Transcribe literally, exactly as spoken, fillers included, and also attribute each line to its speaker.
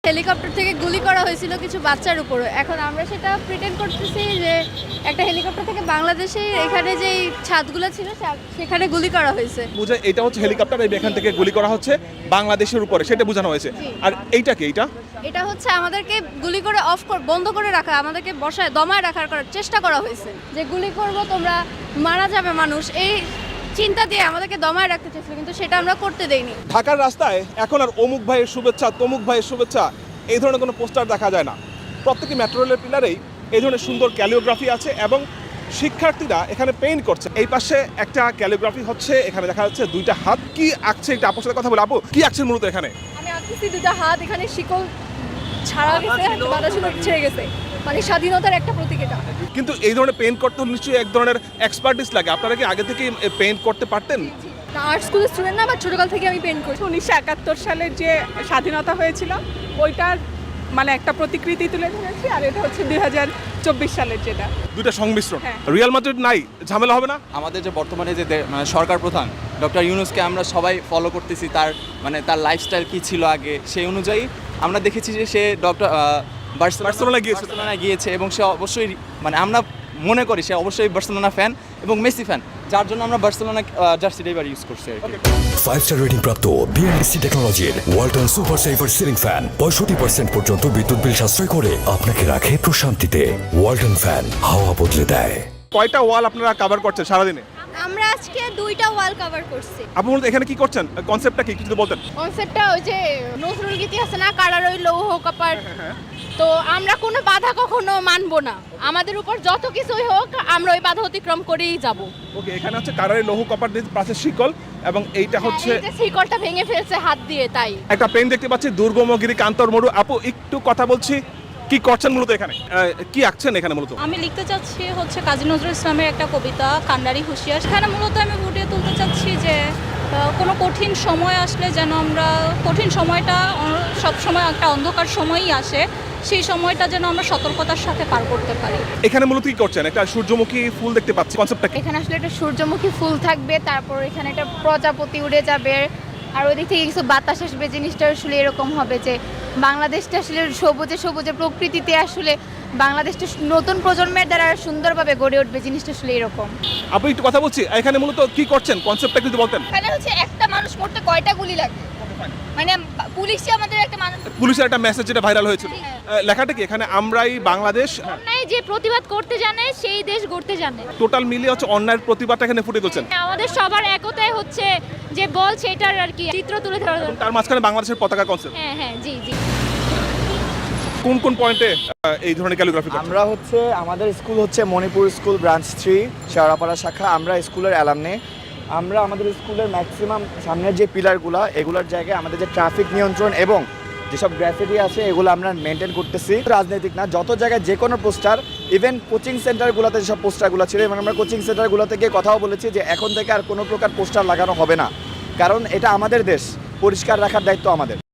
Speaker 1: Helicopter থেকে গুলি করা হয়েছিল কিছু বাচ্চার উপরে। এখন আমরা সেটা প্রিটেন্ড করতেছি যে একটা হেলিকপ্টার থেকে বাংলাদেশে এখানে যেই ছাদগুলো ছিল সেখানে গুলি করা হয়েছে।
Speaker 2: বুঝে এটা হচ্ছে হেলিকপ্টার, এই এখান থেকে গুলি করা হচ্ছে বাংলাদেশের উপরে, সেটা বোঝানো হয়েছে। আর এইটা কি? এটা
Speaker 1: এটা হচ্ছে আমাদেরকে গুলি করে অফ বন্ধ করে রাখা, আমাদেরকে বসায় দমায় রাখার করার চেষ্টা করা হয়েছে যে গুলি করব তোমরা মারা যাবে মানুষ, এই চিন্তা দিয়ে আমাদেরকে দমায় রাখতে চেয়েছিল, কিন্তু সেটা আমরা করতে দেইনি।
Speaker 2: ঢাকার রাস্তায় এখন আর অমুক ভাইয়ের শুভেচ্ছা তমুক ভাইয়ের শুভেচ্ছা এই ধরনের কোনো পোস্টার দেখা যায় না। প্রত্যেকটি মেট্রো রেলের পিলারেই এই ধরনের সুন্দর ক্যালিওগ্রাফি আছে এবং শিক্ষার্থীরা এখানে পেইন্ট করছে। এই পাশে একটা ক্যালিওগ্রাফি হচ্ছে, এখানে দেখা যাচ্ছে দুইটা হাত। কি আঁকছে এটা? আপুর সাথে কথা বলে। আপু কি আঁকছেন মূলত এখানে?
Speaker 1: আমি আঁকতেছি দুইটা হাত, এখানে শিকল ছাড়া গেছে, বাধা ছিল ছেড়ে গেছে, মানে স্বাধীনতার একটা প্রতীক এটা।
Speaker 2: কিন্তু এই ধরনের পেইন্ট করতে নিশ্চয়ই এক ধরনের এক্সপার্টিস লাগে। আপনারা কি আগে থেকে পেইন্ট করতে পারতেন?
Speaker 1: আর্ট স্কুলের স্টুডেন্ট না, বা ছোটকাল থেকে আমি পেইন্ট করছি।
Speaker 3: উনিশশো একাত্তর সালের যে স্বাধীনতা হয়েছিল ওইটার মানে একটা প্রতিকৃতি তুলে ধরেছি, আর এটা হচ্ছে দুই হাজার চব্বিশ সালের যেটা।
Speaker 2: দুইটা সংমিশ্রণ।
Speaker 3: হ্যাঁ।
Speaker 2: রিয়াল মাদ্রিদ নাই, ঝামেলা হবে না?
Speaker 4: আমাদের যে বর্তমানে যে দে- মানে সরকার প্রধান ডক্টর ইউনূসকে আমরা সবাই ফলো করতেছি, তার মানে তার লাইফস্টাইল কী ছিল আগে, সেই অনুযায়ী আমরা দেখেছি যে সে ডক্টর
Speaker 2: বার্সেলোনায় গিয়েছে।
Speaker 4: বার্সেলোনায় গিয়েছে এবং সে অবশ্যই মানে আমরা মনে করি সে অবশ্যই বার্সেলোনা ফ্যান এবং মেসি ফ্যান, যার জন্য আমরা বার্সেলোনা জার্সিটা এবার ইউজ করছি আর কি।
Speaker 5: ফাইভ স্টার রেটিং প্রাপ্ত বিএনডিসি টেকনোলজির Walton super saver ceiling fan পঁয়ষট্টি পার্সেন্ট পর্যন্ত বিদ্যুৎ বিল সাশ্রয় করে আপনাকে রাখে প্রশান্তিতে। ওয়ালটন ফ্যান হাওয়া বদলে দেয়।
Speaker 2: কয়টা ওয়াল আপনারা কভার করছেন সারাদিনে?
Speaker 1: আমরা আজকে দুইটা ওয়াল কভার করছি।
Speaker 2: আপু মূলত এখানে কি করছেন? কনসেপ্টটা কি কিছু বলতেন?
Speaker 1: কনসেপ্টটা ওই যে নজরুল গীতি আছে না, কারার ওই লৌহ কপার, তো আমরা কোনো বাধা কখনো মানবো না, আমাদের উপর যত কিছুই হোক আমরা ওই বাধা অতিক্রম করেই যাব।
Speaker 2: ওকে, এখানে হচ্ছে কারারে লৌহ কপার দিয়ে পাশে শিকল এবং এইটা হচ্ছে
Speaker 1: এই যে শিকলটা ভেঙে ফেলছে হাত দিয়ে, তাই
Speaker 2: একটা পেন দেখতে পাচ্ছি দুর্গমগিরি কান্তর মরু। আপু একটু কথা বলছি, কি করছেন মূলত এখানে? আহ, কি আঁকছেন এখানে মূলত?
Speaker 6: আমি লিখতে চাচ্ছি হচ্ছে কাজী নজরুল ইসলামের একটা কবিতা কান্ডারি হুঁশিয়ার। সেখানে মূলত আমি ফুটিয়ে তুলতে চাচ্ছি যে আহ, কোনো কঠিন সময় আসলে যেন আমরা, কঠিন সময়টা সব সময় একটা অন্ধকার সময়ই আসে, সেই সময়টা যেন আমরা সতর্কতার সাথে পার করতে পারি।
Speaker 2: এখানে মূলত কি করছেন? একটা সূর্যমুখী ফুল দেখতে পাচ্ছি, কনসেপ্টটা কি?
Speaker 1: এখানে আসলে একটা সূর্যমুখী ফুল থাকবে, তারপর এখানে একটা প্রজাপতি উড়ে যাবে, আর ওই দিক থেকে কিছু বাতাস আসবে। জিনিসটা আসলে এরকম হবে যে বাংলাদেশটা আসলে সবুজে সবুজে প্রকৃতিতে আসলে বাংলাদেশটা নতুন প্রজন্মের দ্বারা সুন্দরভাবে গড়ে উঠবে, জিনিসটা আসলে এরকম।
Speaker 2: আপু একটু কথা বলছি, এখানে মূলত কি করছেন? কনসেপ্টটা কিন্তু বলতেন।
Speaker 1: এখানে হচ্ছে একটা মানুষ মরতে কয়টা গুলি লাগে, মানে পুলিশই আমাদের একটা মানুষ।
Speaker 2: পুলিশের একটা মেসেজ যেটা ভাইরাল হয়েছিল, আহ, লেখাটা কি এখানে? আমরাই বাংলাদেশ,
Speaker 1: অন্যায় যে প্রতিবাদ করতে জানে সেই দেশ গড়তে জানে।
Speaker 2: টোটাল মিলিয়ে হচ্ছে অন্যায়ের প্রতিবাদটা এখানে ফুটে তুলছেন।
Speaker 1: আমাদের সবার একতাই হচ্ছে যে বল, সেটার আর কি চিত্র তুলে ধরা দরকার।
Speaker 2: তার মাঝখানে বাংলাদেশের পতাকা কনসেপ্ট।
Speaker 1: হ্যাঁ হ্যাঁ, জি জি।
Speaker 2: কোন কোন পয়েন্টে এই ধরনের ক্যালিগ্রাফি?
Speaker 7: আমরা হচ্ছে আমাদের স্কুল হচ্ছে Manipur school branch three Shewrapara শাখা। আমরা স্কুলের অ্যালামনে, আমরা আমাদের স্কুলের ম্যাক্সিমাম সামনের যে পিলারগুলো এগুলোর জায়গায় আমাদের যে ট্রাফিক নিয়ন্ত্রণ এবং যেসব গ্রাফিটি আছে এগুলো আমরা মেনটেন করতেছি। রাজনৈতিক না, যত জায়গায় যে কোনো পোস্টার, ইভেন কোচিং সেন্টারগুলোতে যেসব পোস্টারগুলো ছিল, এবং আমরা কোচিং সেন্টারগুলোতে গিয়ে কথাও বলেছি যে এখন থেকে আর কোনো প্রকার পোস্টার লাগানো হবে না, কারণ এটা আমাদের দেশ, পরিষ্কার রাখার দায়িত্ব আমাদের।